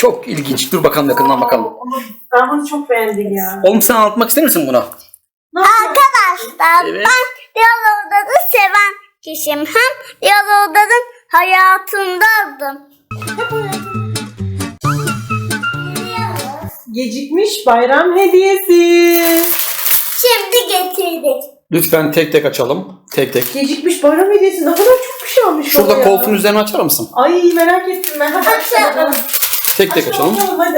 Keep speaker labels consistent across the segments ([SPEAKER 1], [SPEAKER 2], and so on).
[SPEAKER 1] Çok ilginç. Dur bakalım yakından bakalım.
[SPEAKER 2] Ama ben bunu çok beğendim ya.
[SPEAKER 1] Oğlum sen anlatmak ister misin buna?
[SPEAKER 3] Arkadaşlar
[SPEAKER 1] Evet.
[SPEAKER 3] ben Yalova'da seven kişiyim. Hem Yalova'nın hayatındaydım.
[SPEAKER 2] Gecikmiş bayram hediyesi.
[SPEAKER 3] Şimdi getirdik.
[SPEAKER 1] Lütfen tek tek açalım. Tek tek.
[SPEAKER 2] Gecikmiş bayram hediyesi ne kadar çok bir şey almış.
[SPEAKER 1] Şurada
[SPEAKER 2] baba ya.
[SPEAKER 1] koltuğun üzerine açar mısın?
[SPEAKER 2] Ay merak ettim ben. Hadi açalım.
[SPEAKER 1] Tek tek açalım.
[SPEAKER 2] Hadi.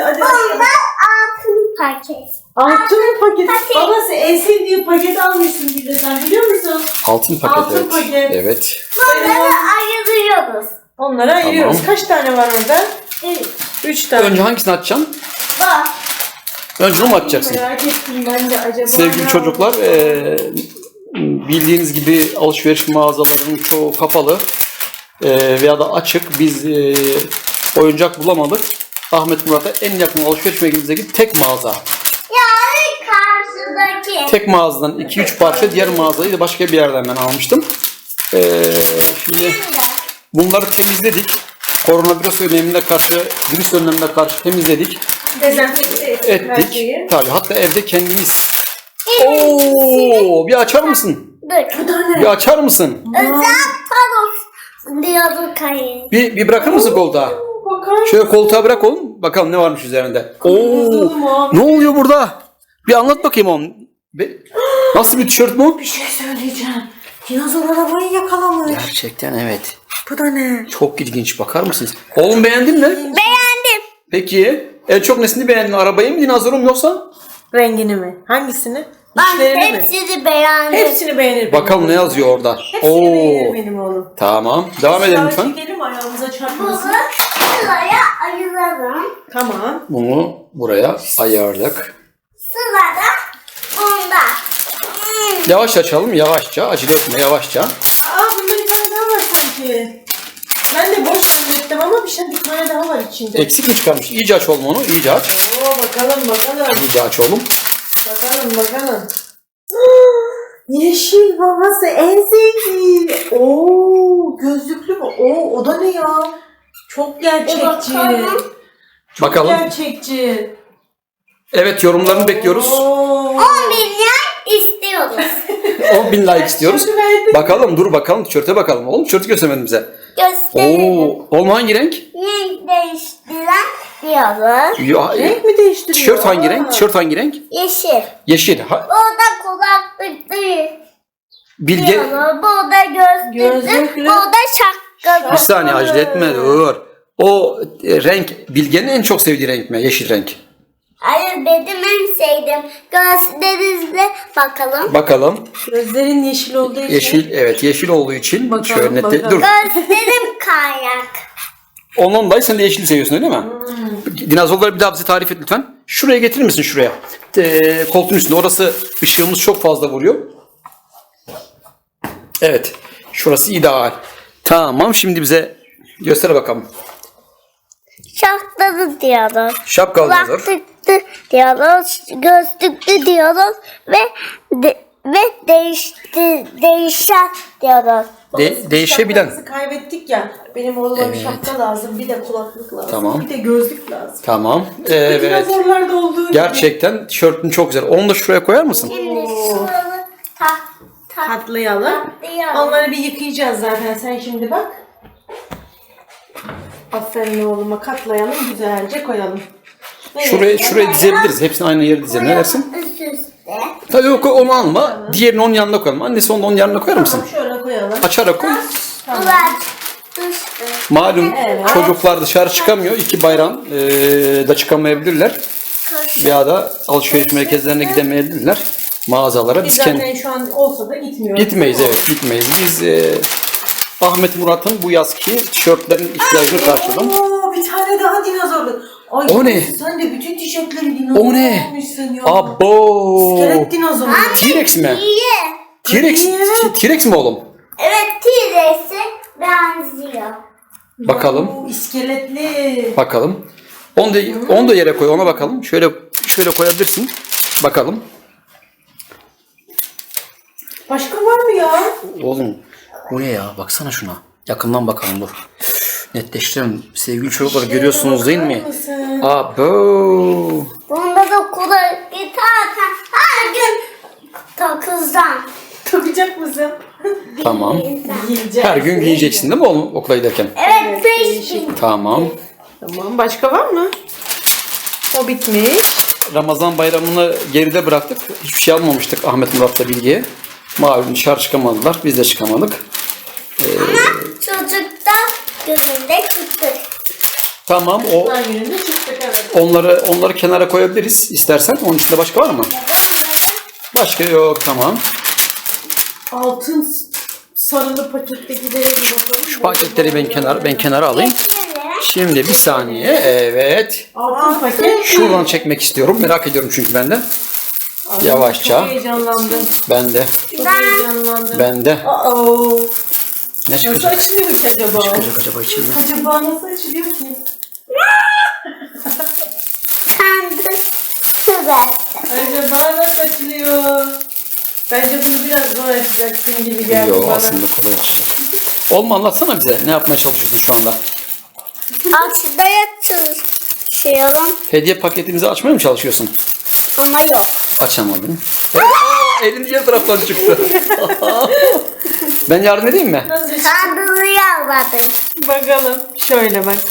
[SPEAKER 3] Altın paket.
[SPEAKER 2] Altın paket.
[SPEAKER 3] Paket.
[SPEAKER 2] Babası en sevdiği paket almışsın bir de sen biliyor musun?
[SPEAKER 1] Altın paket.
[SPEAKER 2] Altın
[SPEAKER 1] Evet.
[SPEAKER 2] paket.
[SPEAKER 1] Evet.
[SPEAKER 3] Bunları ayırıyoruz.
[SPEAKER 2] Onları ayırıyoruz.
[SPEAKER 1] Tamam.
[SPEAKER 2] Kaç tane var orada? 3 tane.
[SPEAKER 1] Önce hangisini açacaksın?
[SPEAKER 3] Bak.
[SPEAKER 1] Önce onu mu açacaksın?
[SPEAKER 2] Merak ettim ben de acaba.
[SPEAKER 1] Sevgili
[SPEAKER 2] ne
[SPEAKER 1] çocuklar, bildiğiniz gibi alışveriş mağazalarının çoğu kapalı veya da açık. Biz oyuncak bulamadık. Ahmet Murat'a en yakın alışveriş merkezimizdeki tek mağaza.
[SPEAKER 3] Yani karşıdaki.
[SPEAKER 1] Tek mağazadan 2-3 parça, diğer mağazayı da başka bir yerden ben almıştım. Şimdi bunları temizledik. Koronavirüs önlemine karşı temizledik.
[SPEAKER 2] Dezenfekte ettik her
[SPEAKER 1] Ettik.
[SPEAKER 2] şeyi.
[SPEAKER 1] Tabii, hatta evde kendimiz. Oo, bir açar mısın?
[SPEAKER 3] Dur.
[SPEAKER 2] Bu da ne?
[SPEAKER 1] Bir açar mısın?
[SPEAKER 3] Özel paros diyorduk hayır.
[SPEAKER 1] Bir bırakır mısın koltuğa?
[SPEAKER 2] Bakar.
[SPEAKER 1] Şöyle koltuğa bırak oğlum. Bakalım ne varmış üzerinde. Oo,
[SPEAKER 2] Bakalım abi.
[SPEAKER 1] ne oluyor burada? Bir anlat bakayım oğlum. Nasıl bir tişört bu?
[SPEAKER 2] Bir şey söyleyeceğim. Dinozor arabayı yakalamış.
[SPEAKER 1] Gerçekten evet.
[SPEAKER 2] Bu da ne?
[SPEAKER 1] Çok ilginç. Bakar mısınız? Oğlum beğendin mi?
[SPEAKER 3] Beğendim.
[SPEAKER 1] Peki. En çok nesini beğendin? Arabayı mı, dinozoru mu yoksa?
[SPEAKER 2] Rengini mi? Hangisini?
[SPEAKER 3] Ben
[SPEAKER 2] İçlerini mi?
[SPEAKER 3] hepsini beğendim.
[SPEAKER 2] Hepsini beğenir.
[SPEAKER 1] Bakalım
[SPEAKER 2] benim
[SPEAKER 1] ne
[SPEAKER 2] oğlum.
[SPEAKER 1] yazıyor orada.
[SPEAKER 2] Hepsini beğenir benim oğlum.
[SPEAKER 1] Tamam. Devam edelim lütfen.
[SPEAKER 2] Çekelim ayağımıza
[SPEAKER 3] Bunu
[SPEAKER 2] çarpmasın.
[SPEAKER 3] sıraya ayıralım.
[SPEAKER 2] Tamam.
[SPEAKER 1] Bunu buraya ayarladık.
[SPEAKER 3] Sırada bunda.
[SPEAKER 1] Yavaş açalım. Yavaşça. Acele etme. Yavaşça.
[SPEAKER 2] Aa bunda bir tane daha var sanki. Ben de boş zannettim ama bir tane daha var içinde.
[SPEAKER 1] Eksik mi çıkarmış? İyice aç oğlum onu. İyice aç.
[SPEAKER 2] Oo bakalım.
[SPEAKER 1] İyice aç oğlum.
[SPEAKER 2] Bakalım. Yeşil babası en sevdiği. Oo gözlüklü mü? Oo o da ne ya? Çok gerçekçi.
[SPEAKER 3] Bakalım.
[SPEAKER 2] Çok
[SPEAKER 1] Bakalım.
[SPEAKER 2] gerçekçi.
[SPEAKER 1] Evet, yorumlarını bekliyoruz.
[SPEAKER 2] Oo.
[SPEAKER 3] 10 milyon istiyoruz.
[SPEAKER 1] 10.000 like istiyoruz.
[SPEAKER 2] Tişörtü verdim.
[SPEAKER 1] Bakalım, dur bakalım. Tişörte bakalım. Oğlum tişörtü göstermedin bize.
[SPEAKER 3] Gösterelim.
[SPEAKER 1] Oğlum hangi renk?
[SPEAKER 3] Renk değiştiren diyoruz.
[SPEAKER 2] Renk mi değiştiriyor?
[SPEAKER 1] Tişört hangi renk?
[SPEAKER 2] Aa.
[SPEAKER 1] Tişört hangi renk?
[SPEAKER 3] Yeşil.
[SPEAKER 1] Yeşil.
[SPEAKER 3] Burada kulaklık değil.
[SPEAKER 1] Bilge.
[SPEAKER 3] Diyoruz. Burada gözlüklü.
[SPEAKER 2] Gözlüklü.
[SPEAKER 3] Burada şapkalı.
[SPEAKER 1] Bir saniye, acele etme. Dur. O renk Bilge'nin en çok sevdiği renk mi? Yeşil renk.
[SPEAKER 3] Hayır benim en sevdiğim. Gözlerinizle bakalım.
[SPEAKER 1] Bakalım.
[SPEAKER 2] Gözlerin yeşil olduğu için.
[SPEAKER 1] Yeşil, evet, yeşil olduğu için
[SPEAKER 2] Bakalım,
[SPEAKER 1] şöyle net.
[SPEAKER 2] bakalım.
[SPEAKER 1] Dur.
[SPEAKER 3] Gözlerim kaynak.
[SPEAKER 1] Ondan dolayı sen de yeşil seviyorsun, öyle mi? Dinozorları bir daha bize tarif et lütfen. Şuraya getirir misin, şuraya? Koltuğun üstünde. Orası ışığımız çok fazla vuruyor. Evet. Şurası ideal. Tamam, şimdi bize göster bakalım.
[SPEAKER 3] Şapkalı diyoruz.
[SPEAKER 1] Şapkalı dinozor.
[SPEAKER 3] Kulaklıklı diyoruz. Gözlüklü diyoruz. Ve değişen diyoruz.
[SPEAKER 1] Değişebilen.
[SPEAKER 2] Şapkamızı kaybettik ya. Benim oğluma bir şapka lazım. Bir de kulaklık lazım.
[SPEAKER 1] Tamam.
[SPEAKER 2] Bir de gözlük lazım.
[SPEAKER 1] Tamam. Evet.
[SPEAKER 2] Dinozorlarda olduğu gibi.
[SPEAKER 1] Gerçekten tişörtün çok güzel. Onu da şuraya koyar mısın?
[SPEAKER 3] Şimdi şuralı
[SPEAKER 2] Katlayalım.
[SPEAKER 3] katlayalım.
[SPEAKER 2] Onları bir yıkayacağız zaten. Sen şimdi bak. Aferin oğluma, katlayalım. Güzelce koyalım. Evet.
[SPEAKER 1] Şuraya dizebiliriz. Hepsini aynı yere dizelim. Ne dersin?
[SPEAKER 3] Üst üste.
[SPEAKER 1] Tabii yok, onu alma. Diğerini onun yanına koyalım. Annesi onu da onun yanına koyar mısın?
[SPEAKER 2] Tamam, şöyle koyalım.
[SPEAKER 1] Açarak koy.
[SPEAKER 3] Bunlar düştü.
[SPEAKER 1] Malum
[SPEAKER 2] Evet.
[SPEAKER 1] çocuklar dışarı çıkamıyor. 2 bayram da çıkamayabilirler. Veya da alışveriş merkezlerine gidemeyebilirler. Mağazalara.
[SPEAKER 2] Biz
[SPEAKER 1] Biz
[SPEAKER 2] zaten şu an olsa da gitmiyoruz.
[SPEAKER 1] gitmeyiz, evet, gitmeyiz. Biz Ahmet Murat'ın bu yazki tişörtlerin ihtiyacını karşıladım.
[SPEAKER 2] Oo, bir tane daha dinozorlu. Ay,
[SPEAKER 1] O ne?
[SPEAKER 2] Sen de bütün tişörtleri dinozor
[SPEAKER 1] O ne?
[SPEAKER 2] almışsın ya.
[SPEAKER 1] Abo!
[SPEAKER 2] İskelet dinozoru.
[SPEAKER 1] T-Rex mi?
[SPEAKER 3] İyi.
[SPEAKER 1] T-Rex mi oğlum?
[SPEAKER 3] Evet T-Rex'e benziyor.
[SPEAKER 1] Bakalım.
[SPEAKER 2] Oo, iskeletli.
[SPEAKER 1] Bakalım. Onu da yere koy, ona bakalım. Şöyle koyabilirsin. Bakalım.
[SPEAKER 2] Başka var mı ya?
[SPEAKER 1] Oğlum bu ne ya? Baksana şuna. Yakından bakalım, dur. Netleştirelim. Sevgili çocuklar görüyorsunuz değil mi?
[SPEAKER 2] Bakar mısın?
[SPEAKER 1] Abo.
[SPEAKER 3] Bunda da okula giderken her gün takızdan.
[SPEAKER 2] Takacak mısın?
[SPEAKER 1] Tamam.
[SPEAKER 2] Yiyeceğim.
[SPEAKER 1] Her gün giyeceksin değil mi oğlum okula giderken?
[SPEAKER 3] Evet, beş
[SPEAKER 2] değişik.
[SPEAKER 3] gün.
[SPEAKER 1] Tamam.
[SPEAKER 2] Tamam. Başka var mı? O bitmiş.
[SPEAKER 1] Ramazan bayramını geride bıraktık. Hiçbir şey almamıştık Ahmet Murat'la Bilge'ye. Malum dışarı çıkamadılar. Biz de çıkamadık.
[SPEAKER 3] Çocukta gözünde çıktı.
[SPEAKER 1] Tamam o
[SPEAKER 2] Her gününde çıktık evet.
[SPEAKER 1] onları kenara koyabiliriz istersen. Onun içinde başka var mı? Başka yok tamam.
[SPEAKER 2] Altın sarılı pakettekileri bir bakalım.
[SPEAKER 1] Şu paketleri ben kenara alayım. Şimdi bir saniye. Evet.
[SPEAKER 2] Altın paket.
[SPEAKER 1] Şuradan çekmek istiyorum. Merak ediyorum çünkü ben de.
[SPEAKER 2] Ay,
[SPEAKER 1] Yavaşça.
[SPEAKER 2] Çok heyecanlandım.
[SPEAKER 1] Ben de.
[SPEAKER 2] Çok heyecanlandım.
[SPEAKER 1] Ben de.
[SPEAKER 2] Aa,
[SPEAKER 1] Ne
[SPEAKER 2] nasıl
[SPEAKER 1] çıkacak?
[SPEAKER 2] açılıyor ki acaba?
[SPEAKER 1] Çıkacak acaba içinden?
[SPEAKER 2] Acaba nasıl açılıyor ki?
[SPEAKER 3] Sandı. Süpersin.
[SPEAKER 2] Acaba nasıl açılıyor? Bence bunu biraz zor açacaksın gibi geldi
[SPEAKER 1] Yok
[SPEAKER 2] bana.
[SPEAKER 1] aslında kolay açacak. Oğlum anlatsana bize. Ne yapmaya çalışıyorsun şu anda?
[SPEAKER 3] Açıdaya çalışıyorum
[SPEAKER 1] Hediye paketimizi açmaya mı çalışıyorsun?
[SPEAKER 3] ama yok.
[SPEAKER 1] Açamadın. Elin diğer taraftan çıktı. Ben yardım edeyim mi?
[SPEAKER 2] Nasıl açılıyor?
[SPEAKER 3] Sandığını yalvardım.
[SPEAKER 2] Bakalım. Şöyle bak.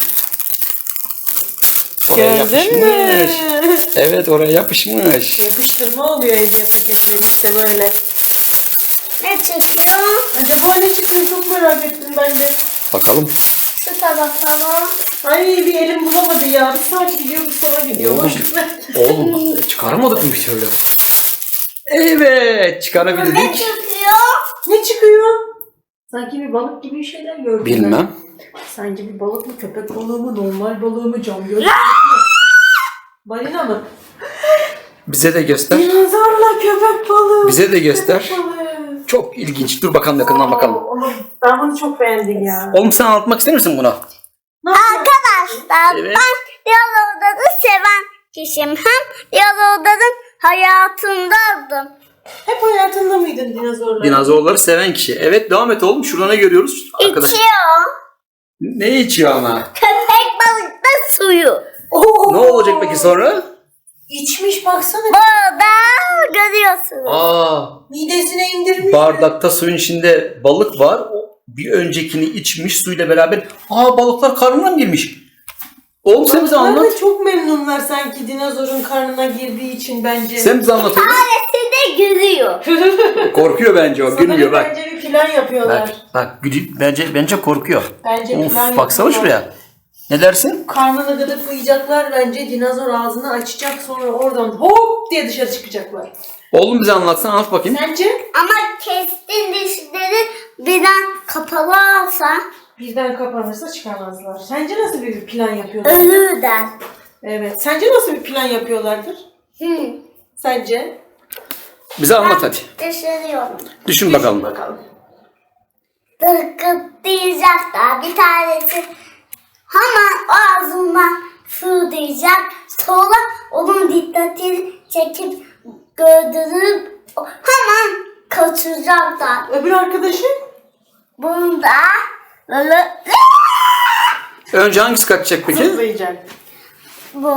[SPEAKER 1] Oraya
[SPEAKER 2] Gördün mü?
[SPEAKER 1] yapışmış. Evet oraya yapışmış.
[SPEAKER 2] Yapıştırma oluyor hediye paketleri işte böyle.
[SPEAKER 3] Ne çıkıyor?
[SPEAKER 2] Acaba ne çıkıyor çok merak ettim ben de.
[SPEAKER 1] Bakalım.
[SPEAKER 3] Şu tabaklara.
[SPEAKER 2] Ay bir elim bulamadı ya. Bir saat gidiyor bir sana gidiyor.
[SPEAKER 1] Oğlum, oğlum çıkaramadık mı bir türlü? Evet
[SPEAKER 3] Ne
[SPEAKER 1] çıkarabildik.
[SPEAKER 3] çıkıyor?
[SPEAKER 2] Ne çıkıyor? Sanki bir balık gibi şeyler gördüm. ben.
[SPEAKER 1] Bilmem.
[SPEAKER 2] Sanki bir balık mı, köpek balığı mı, normal balığı mı, cam gözlü mü? Balina mı?
[SPEAKER 1] Bize de göster.
[SPEAKER 2] Dinozorla köpek balığı.
[SPEAKER 1] Bize de göster.
[SPEAKER 2] Köpek balığı.
[SPEAKER 1] Çok ilginç. Dur bakalım yakından bakalım.
[SPEAKER 2] Ama ben bunu çok beğendim ya.
[SPEAKER 1] Oğlum sen anlatmak ister misin buna?
[SPEAKER 2] Ne yapıyor?
[SPEAKER 3] Arkadaşlar
[SPEAKER 1] Evet.
[SPEAKER 3] ben Yalova'da seven kişiyim. Hem Yalova'nın hayatındaydım.
[SPEAKER 2] Hep hayatında mıydın dinozorlar?
[SPEAKER 1] Dinozorları seven kişi. Evet devam et oğlum. Şurada ne görüyoruz? Arkadaş.
[SPEAKER 3] İçiyor.
[SPEAKER 1] Ne içiyor ama?
[SPEAKER 3] Köpek balıkta suyu.
[SPEAKER 2] Oo!
[SPEAKER 1] Ne olacak peki sonra?
[SPEAKER 2] İçmiş baksana.
[SPEAKER 3] Burada görüyorsunuz.
[SPEAKER 1] Aa,
[SPEAKER 2] Midesine indirmiş.
[SPEAKER 1] bardakta suyun içinde balık var. O bir öncekini içmiş suyla beraber. Aa balıklar karnına mı girmiş? Oğlum sen bize
[SPEAKER 2] Balıklar
[SPEAKER 1] anlat.
[SPEAKER 2] da çok memnunlar sanki dinozorun karnına girdiği için bence.
[SPEAKER 1] Sen bize anlat oğlum.
[SPEAKER 3] Tanesi de gülüyor.
[SPEAKER 1] Korkuyor bence o.
[SPEAKER 2] Sanırım
[SPEAKER 1] Gülmüyor bak.
[SPEAKER 2] Bence bir plan yapıyorlar.
[SPEAKER 1] Bak bence korkuyor.
[SPEAKER 2] Bence
[SPEAKER 1] Of
[SPEAKER 2] plan
[SPEAKER 1] baksana
[SPEAKER 2] yapıyorlar.
[SPEAKER 1] şuraya. Ne dersin?
[SPEAKER 2] Karnını gıdıklayacaklar bence. Dinozor ağzını açacak sonra oradan hop diye dışarı çıkacaklar.
[SPEAKER 1] Oğlum bize anlatsana anlat bakayım.
[SPEAKER 2] Sence?
[SPEAKER 3] Ama kestin dişleri birden kapalı olsa
[SPEAKER 2] Birden kapanırsa çıkamazlar. Sence nasıl bir plan yapıyorlar?
[SPEAKER 3] ölürler.
[SPEAKER 2] Evet. Sence nasıl bir plan yapıyorlardır? Sence?
[SPEAKER 1] Bize anlat hadi.
[SPEAKER 3] Düşünüyorum.
[SPEAKER 1] Düşün bakalım.
[SPEAKER 2] Bakalım.
[SPEAKER 3] Dıkıtlayacaklar. Bir tanesi hemen ağzından fırlayacak. Sonra onun dikkatini çekip gördürüp hemen kaçıracaklar.
[SPEAKER 2] Öbür arkadaşı?
[SPEAKER 3] Bunda böyle
[SPEAKER 1] Önce hangisi kaçacak peki?
[SPEAKER 2] Zıplayacak.
[SPEAKER 3] bu.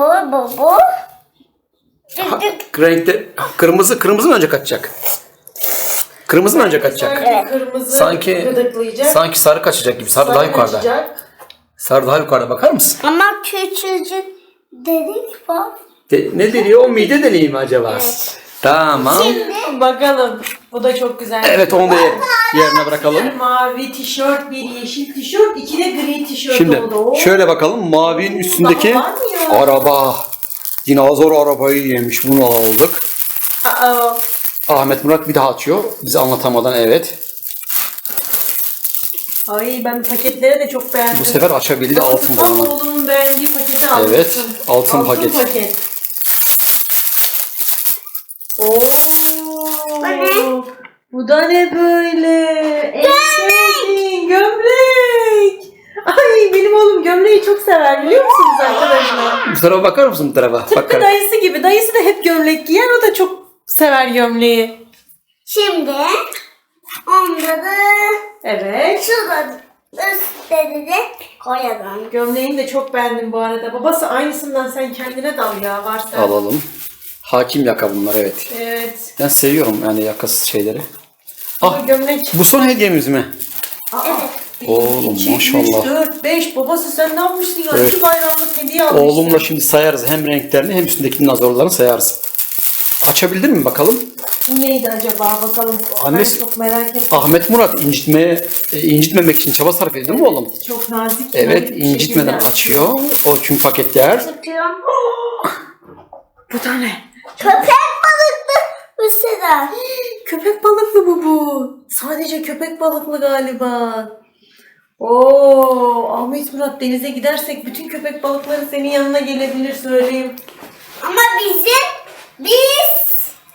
[SPEAKER 1] Ha, renkte kırmızı mı önce kaçacak? Kırmızı mı önce kaçacak?
[SPEAKER 2] Sanki kırmızı
[SPEAKER 1] Sanki
[SPEAKER 2] gıdıklayacak.
[SPEAKER 1] sanki sarı kaçacak gibi. Sarı daha yukarıda.
[SPEAKER 2] kaçacak.
[SPEAKER 1] Sarı daha yukarıda bakar mısın?
[SPEAKER 3] Ama küçücük dedik var.
[SPEAKER 1] Ne deliği o mide deliği mi acaba? Tamam.
[SPEAKER 3] Şimdi
[SPEAKER 2] Bakalım. Bu da çok güzel.
[SPEAKER 1] Evet onu da yerine bırakalım.
[SPEAKER 2] Bir mavi tişört, bir yeşil tişört, iki de gri tişört
[SPEAKER 1] Şimdi
[SPEAKER 2] oldu. Oo.
[SPEAKER 1] şöyle bakalım. Mavinin üstündeki
[SPEAKER 2] Daha var mı ya?
[SPEAKER 1] araba. Dinozor arabayı yemiş. Bunu aldık.
[SPEAKER 2] Aa,
[SPEAKER 1] Ahmet Murat bir daha açıyor. Bize anlatamadan evet.
[SPEAKER 2] ay ben paketlere de çok beğendim.
[SPEAKER 1] Bu sefer açabildi altın
[SPEAKER 2] Tam
[SPEAKER 1] balonu.
[SPEAKER 2] oğlumun beğendiği paketi almışsın.
[SPEAKER 1] Evet, altın paket.
[SPEAKER 2] Oo.
[SPEAKER 3] ne?
[SPEAKER 2] Bu da ne böyle? En sevdiğin gömlek. Ay benim oğlum gömleği çok sever biliyor musunuz arkadaşlar?
[SPEAKER 1] Bu tarafa bakar mısın bu tarafa?
[SPEAKER 2] Tıpkı
[SPEAKER 1] Bakar.
[SPEAKER 2] dayısı gibi. Dayısı da hep gömlek giyer. O da çok sever gömleği.
[SPEAKER 3] Şimdi onda da
[SPEAKER 2] Evet.
[SPEAKER 3] şurada üstleri de koyalım.
[SPEAKER 2] Gömleğini de çok beğendim bu arada. Babası aynısından sen kendine dal ya varsa.
[SPEAKER 1] Alalım. Hakim yaka bunlar, evet.
[SPEAKER 2] Evet.
[SPEAKER 1] Ben seviyorum yani yakasız şeyleri.
[SPEAKER 2] Bu
[SPEAKER 1] Ah,
[SPEAKER 2] gömlek.
[SPEAKER 1] bu son hediyemiz mi?
[SPEAKER 3] Evet.
[SPEAKER 1] Oğlum,
[SPEAKER 2] 2,
[SPEAKER 1] maşallah.
[SPEAKER 2] 3, 4, 5. Babası sen ne yapmıştın ya?
[SPEAKER 1] Evet.
[SPEAKER 2] 2 bayramlık hediye almışsın.
[SPEAKER 1] Oğlumla şimdi sayarız hem renklerini hem üstündeki dinozorlarını sayarız. Açabildin mi bakalım?
[SPEAKER 2] Bu neydi acaba bakalım.
[SPEAKER 1] Annesi-
[SPEAKER 2] Ben çok merak ettim.
[SPEAKER 1] Ahmet Murat incitmemek için çaba sarf ediyor mu oğlum?
[SPEAKER 2] Çok nazik.
[SPEAKER 1] Evet,
[SPEAKER 2] nazik bir
[SPEAKER 1] incitmeden
[SPEAKER 2] şekilde.
[SPEAKER 1] açıyor. O çünkü paketler.
[SPEAKER 3] Tutuyorum.
[SPEAKER 2] Bu da ne?
[SPEAKER 3] Köpek balıklı mesela.
[SPEAKER 2] Köpek balıklı bu. Sadece köpek balıklı galiba. Oo, Ahmet Murat denize gidersek bütün köpek balıkları senin yanına gelebilir söyleyeyim.
[SPEAKER 3] Ama bizim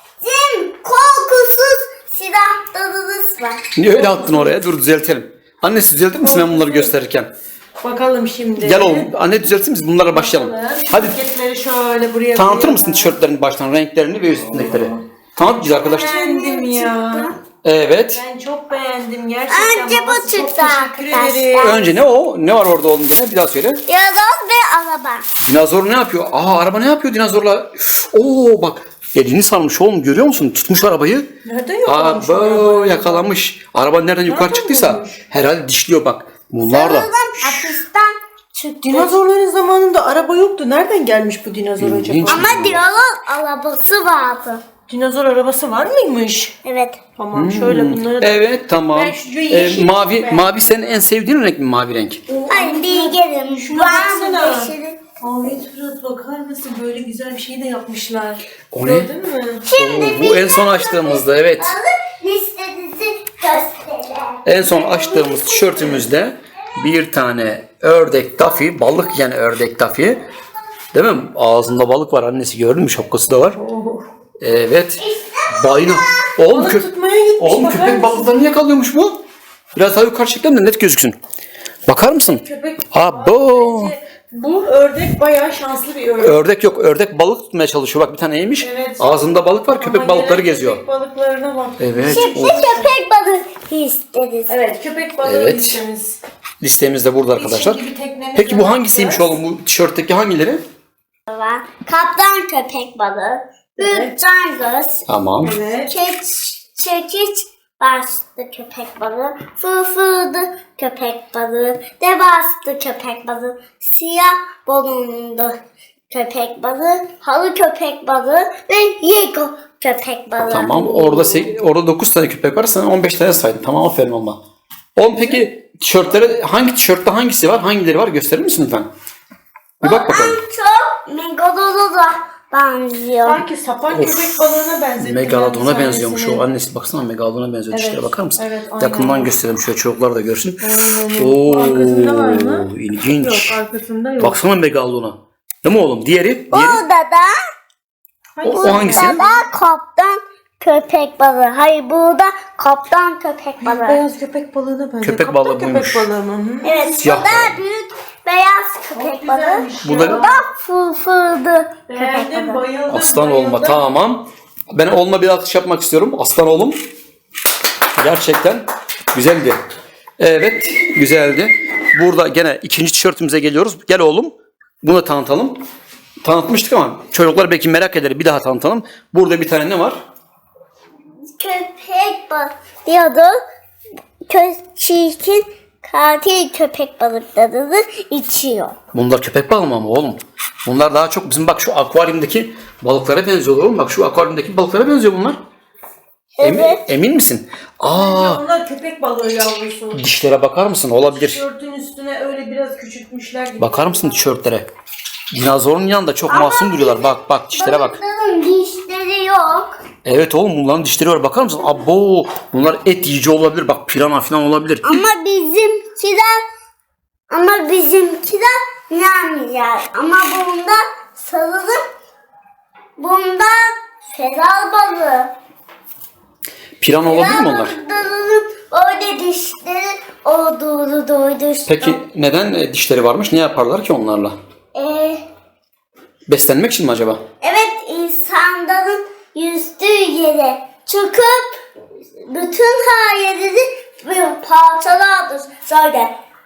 [SPEAKER 3] korkusuz silahlarımız var.
[SPEAKER 1] Niye öyle attın oraya? Dur düzeltelim. Annesi düzeltir misin ben bunları gösterirken?
[SPEAKER 2] Bakalım şimdi.
[SPEAKER 1] Gel oğlum. Anne düzeltir misin? Bunlara başlayalım. Hadi
[SPEAKER 2] Paketleri şöyle buraya
[SPEAKER 1] tanıtır
[SPEAKER 2] koyalım.
[SPEAKER 1] mısın tişörtlerin baştan renklerini ve üstündekileri? Tanıt güzel arkadaşlar.
[SPEAKER 2] Beğendim ya.
[SPEAKER 1] Evet.
[SPEAKER 2] Ben çok beğendim gerçekten.
[SPEAKER 3] Önce bu
[SPEAKER 2] babası, çok
[SPEAKER 3] çıktı
[SPEAKER 2] teşekkür
[SPEAKER 3] arkadaşlar.
[SPEAKER 2] ederim.
[SPEAKER 1] Önce ne o? Ne var orada oğlum gene? Bir daha söyle.
[SPEAKER 3] Yalan ve araba.
[SPEAKER 1] Dinozor ne yapıyor? Aa, araba ne yapıyor dinozorla? Oo bak. Elini sarmış oğlum, görüyor musun? Tutmuş arabayı.
[SPEAKER 2] Nereden
[SPEAKER 1] Aa
[SPEAKER 2] yakalamış
[SPEAKER 1] böyle yakalamış. Araba nereden yukarı
[SPEAKER 2] Nereden
[SPEAKER 1] çıktıysa
[SPEAKER 2] bulmuş?
[SPEAKER 1] herhalde dişliyor bak. Bunlar da.
[SPEAKER 3] Sanırım hapisten çıktı.
[SPEAKER 2] Dinozorların zamanında araba yoktu. Nereden gelmiş bu dinozor acaba?
[SPEAKER 1] İlginç.
[SPEAKER 3] Ama diyalog arabası vardı.
[SPEAKER 2] Dinozor arabası var mıymış?
[SPEAKER 3] Evet.
[SPEAKER 2] Tamam şöyle bunları da...
[SPEAKER 1] Evet tamam.
[SPEAKER 2] Ben şu yeşil
[SPEAKER 1] Mavi
[SPEAKER 2] çok
[SPEAKER 1] mavi senin en sevdiğin renk mi, mavi renk?
[SPEAKER 3] Ay bilgelim.
[SPEAKER 2] Şuna
[SPEAKER 3] Var
[SPEAKER 2] baksana.
[SPEAKER 3] mı yeşili?
[SPEAKER 2] Ahmet Murat bakar mısın? Böyle güzel bir şey de yapmışlar.
[SPEAKER 1] O ne?
[SPEAKER 2] Gördün mü?
[SPEAKER 3] Şimdi
[SPEAKER 1] Bu en son açtığımızda, evet.
[SPEAKER 3] listenizi gösterelim.
[SPEAKER 1] En son açtığımız tişörtümüzde bir tane ördek dafi, balık yani ördek dafi. Değil mi? Ağzında balık var, annesi gördün mü? Şapkası da var.
[SPEAKER 2] Oh.
[SPEAKER 1] Evet. Balina. Oğlum,
[SPEAKER 2] Balık tutmaya gitmiş.
[SPEAKER 1] oğlum
[SPEAKER 2] bakar
[SPEAKER 1] köpek
[SPEAKER 2] mısın?
[SPEAKER 1] balıklarını yakalıyormuş bu. Biraz daha yukarı çekelim de net gözüksün. Bakar mısın?
[SPEAKER 2] Köpek...
[SPEAKER 1] Abo.
[SPEAKER 2] Bu ördek bayağı şanslı bir ördek.
[SPEAKER 1] Ördek yok. Ördek balık tutmaya çalışıyor. Bak bir tane yemiş.
[SPEAKER 2] Evet.
[SPEAKER 1] Ağzında balık var. Köpek
[SPEAKER 2] Ama
[SPEAKER 1] balıkları
[SPEAKER 2] gelen
[SPEAKER 1] geziyor.
[SPEAKER 2] Köpek balıklarına bak.
[SPEAKER 1] Evet.
[SPEAKER 3] Şimdi
[SPEAKER 1] o
[SPEAKER 3] köpek balığı isteriz.
[SPEAKER 2] Evet köpek balığı
[SPEAKER 1] Evet.
[SPEAKER 2] listemiz.
[SPEAKER 1] Listemiz de burada arkadaşlar.
[SPEAKER 2] şimdi bir teknemize
[SPEAKER 1] Peki bu hangisiymiş
[SPEAKER 2] bakacağız.
[SPEAKER 1] oğlum? Bu tişörtteki hangileri?
[SPEAKER 3] Var. Kaptan köpek balığı. Büyük
[SPEAKER 2] Evet.
[SPEAKER 3] cangöz.
[SPEAKER 1] Tamam.
[SPEAKER 2] Evet.
[SPEAKER 3] Çekiç başlı köpek balığı. Fırfırlı köpek balığı. Devaslı köpek balığı. Siyah balonlu köpek balığı. Halı köpek balığı ve yego köpek balığı.
[SPEAKER 1] Tamam. Orada 9 tane köpek var. Sen 15 tane saydın. Tamam, aferin olma. Oğlum peki tişörtlere hangi tişörtte hangisi var? Hangileri var? Gösterir misin lütfen? Bir bak bakalım.
[SPEAKER 3] En çok Megalodon'a benziyor.
[SPEAKER 2] Sanki sapan köpek balığına benzettim.
[SPEAKER 1] Megalodon'a
[SPEAKER 2] ben
[SPEAKER 1] benziyormuş o.
[SPEAKER 2] sahnesini.
[SPEAKER 1] Annesi baksana, Megalodon'a benziyor.
[SPEAKER 2] Evet,
[SPEAKER 1] Dişlere bakar mısın?
[SPEAKER 2] evet, aynen.
[SPEAKER 1] Yakından gösterelim şöyle, çocuklar da görsün.
[SPEAKER 2] Aynen. Arkasında var mı?
[SPEAKER 1] İlginç.
[SPEAKER 2] Yok arkasında yok.
[SPEAKER 1] Baksana Megalodon'a. Değil mi oğlum? Diğeri?
[SPEAKER 3] Burada da
[SPEAKER 1] O hangisi?
[SPEAKER 3] Burada kaptan köpek balığı. Hayır burada kaptan köpek balığı.
[SPEAKER 2] Beyaz köpek balığına benziyor.
[SPEAKER 1] Köpek
[SPEAKER 2] Kaptan
[SPEAKER 1] balığı buymuş.
[SPEAKER 2] Köpek balığı mı? Hı.
[SPEAKER 3] Evet
[SPEAKER 1] Siyah
[SPEAKER 3] bu da büyük beyaz köpek balığı.
[SPEAKER 2] Güzelmiş
[SPEAKER 1] Bu
[SPEAKER 2] ya.
[SPEAKER 1] da-
[SPEAKER 3] Bu da fırfırlı köpek
[SPEAKER 2] Beğendim,
[SPEAKER 3] balığı.
[SPEAKER 2] bayıldım.
[SPEAKER 1] Aslan
[SPEAKER 2] bayıldım.
[SPEAKER 1] olma, tamam. Ben oğluma bir alkış yapmak istiyorum. Aslan oğlum. Gerçekten güzeldi. Evet, güzeldi. Burada gene ikinci tişörtümüze geliyoruz. Gel oğlum. Bunu tanıtalım. Tanıtmıştık ama çocuklar belki merak eder. Bir daha tanıtalım. Burada bir tane ne var?
[SPEAKER 3] Köpek balığı diyordu. Çirkin katil köpek balıklarını içiyor.
[SPEAKER 1] Bunlar köpek balığı mı ama oğlum? Bunlar daha çok bizim bak şu akvaryumdaki balıklara benziyor oğlum. Bak şu akvaryumdaki balıklara benziyor bunlar.
[SPEAKER 3] Evet.
[SPEAKER 1] Emin misin?
[SPEAKER 2] Ya
[SPEAKER 1] Aa,
[SPEAKER 2] onlar köpek balığı yavrusu.
[SPEAKER 1] dişlere bakar mısın? Olabilir.
[SPEAKER 2] Tişörtün üstüne öyle biraz küçültmüşler gibi.
[SPEAKER 1] Bakar mısın tişörtlere? Dinozorun yanında çok masum duruyorlar. Bak bak dişlere bak.
[SPEAKER 3] Balıkların dişleri yok.
[SPEAKER 1] Evet oğlum, bunların dişleri var. Bakar mısın? Abo, bunlar et yiyici olabilir. Bak pirana falan olabilir.
[SPEAKER 3] Ama bizimkiler yemeyecek. Ama bunda sarılıp bunda feral balığı.
[SPEAKER 1] Pirana olabilir mi onlar?
[SPEAKER 3] Balıklarının öyle dişleri olduğunu duydum.
[SPEAKER 1] Peki neden dişleri varmış? Ne yaparlar ki onlarla? Beslenmek için mi acaba?
[SPEAKER 3] Evet insanların yüzdüğü yere çıkıp bütün her yerini parçalardır. Şöyle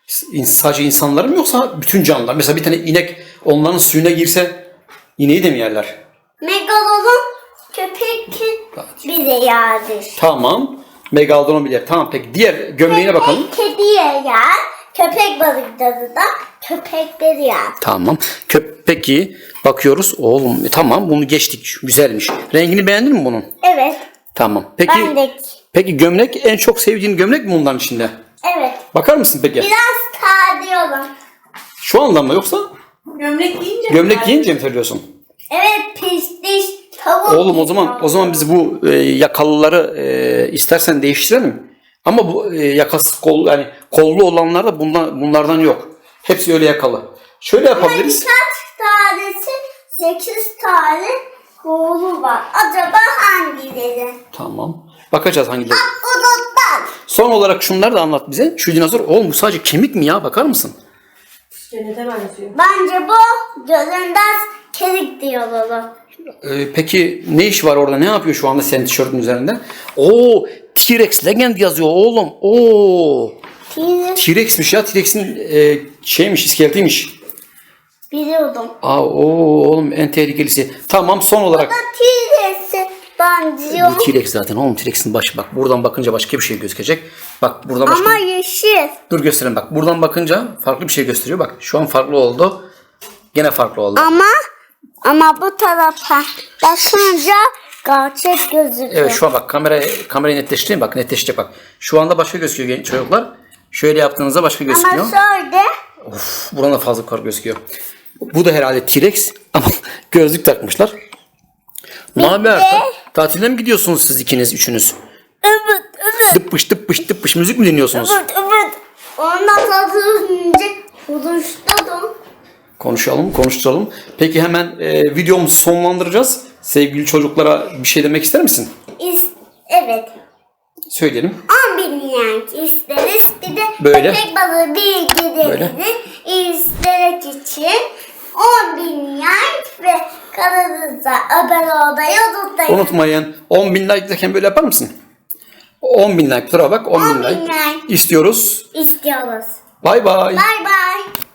[SPEAKER 1] Sadece insanlar mı yoksa bütün canlılar? Mesela bir tane inek onların suyuna girse ineği de mi yerler?
[SPEAKER 3] Megalodon köpek bile yerdir.
[SPEAKER 1] Tamam. Megalodon bilir. Tamam peki diğer gömleğine bakalım.
[SPEAKER 3] Kediye yer. Köpek balıkları da köpekleri yer.
[SPEAKER 1] Tamam. Peki bakıyoruz. Oğlum tamam bunu geçtik. Güzelmiş. Rengini beğendin mi bunun?
[SPEAKER 3] Evet.
[SPEAKER 1] Tamam. Peki
[SPEAKER 3] Bendeki.
[SPEAKER 1] peki gömlek en çok sevdiğin gömlek mi bunların içinde?
[SPEAKER 3] Evet.
[SPEAKER 1] Bakar mısın peki?
[SPEAKER 3] Biraz tadıyorum.
[SPEAKER 1] Şu anda mı yoksa
[SPEAKER 2] Gömlek giyince
[SPEAKER 1] gömlek giyince mi söylüyorsun?
[SPEAKER 3] Evet pistiş tavuk.
[SPEAKER 1] Oğlum o zaman biz bu yakalıları istersen değiştirelim. Ama bu yakası yani kollu olanlar da bunlardan yok. Hepsi öyle yakalı. Şöyle yapabiliriz.
[SPEAKER 3] Birkaç tanesi 8 tane kolu var. Acaba hangileri?
[SPEAKER 1] Tamam. Bakacağız hangileri.
[SPEAKER 3] Bulutlar.
[SPEAKER 1] Son olarak şunları da anlat bize. Şu dinozor oğlum bu sadece kemik mi ya? Bakar mısın?
[SPEAKER 2] Cennete benziyor.
[SPEAKER 3] Bence bu gözünden kerik diyorlar.
[SPEAKER 1] Peki ne iş var orada? Ne yapıyor şu anda senin tişörtün üzerinde? Oo, T-Rex Legend yazıyor oğlum. Oo. T-Rex'miş ya. T-Rex'in şeymiş, iskeletiymiş.
[SPEAKER 3] Biliyordum.
[SPEAKER 1] Oğlum en tehlikelisi. Tamam son olarak.
[SPEAKER 3] T-Rex'i benziyor.
[SPEAKER 1] Bu T-Rex zaten oğlum T-Rex'in başı. Bak buradan bakınca başka bir şey gözükecek. Bak buradan başka.
[SPEAKER 3] Ama yeşil.
[SPEAKER 1] Dur göstereyim bak. Buradan bakınca farklı bir şey gösteriyor. Bak şu an farklı oldu. Gene farklı oldu.
[SPEAKER 3] Ama bu tarafa bakınca gerçek gözüküyor.
[SPEAKER 1] Evet şu an bak kamerayı netleştireyim. Bak netleşecek bak. Şu anda başka gözüküyor çocuklar. Şöyle yaptığınızda başka gözüküyor.
[SPEAKER 3] Ama şöyle.
[SPEAKER 1] Of, buradan da fazla kar gözüküyor. Bu da herhalde T-Rex ama gözlük takmışlar. Mavi tatile mi gidiyorsunuz siz ikiniz, üçünüz?
[SPEAKER 3] Evet.
[SPEAKER 1] Dıppış dıppış dıppış müzik mi dinliyorsunuz?
[SPEAKER 3] Evet. Ondan sonra buluştum.
[SPEAKER 1] Konuşturalım. Peki hemen videomuzu sonlandıracağız. Sevgili çocuklara bir şey demek ister misin?
[SPEAKER 3] Evet.
[SPEAKER 1] Söyleyelim.
[SPEAKER 3] 10.000 yen isteriz. Bir de
[SPEAKER 1] Böyle.
[SPEAKER 3] köpek balığı bilgilerini izlemek için 10.000 yen ve kanalımıza abone olmayı unutmayın.
[SPEAKER 1] Unutmayın. 10.000 like derken böyle yapar mısın? 10.000 like. Tura bak 10.000 like.
[SPEAKER 3] 10.000 like
[SPEAKER 1] istiyoruz.
[SPEAKER 3] istiyoruz.
[SPEAKER 1] Bay bay.
[SPEAKER 3] Bye bye.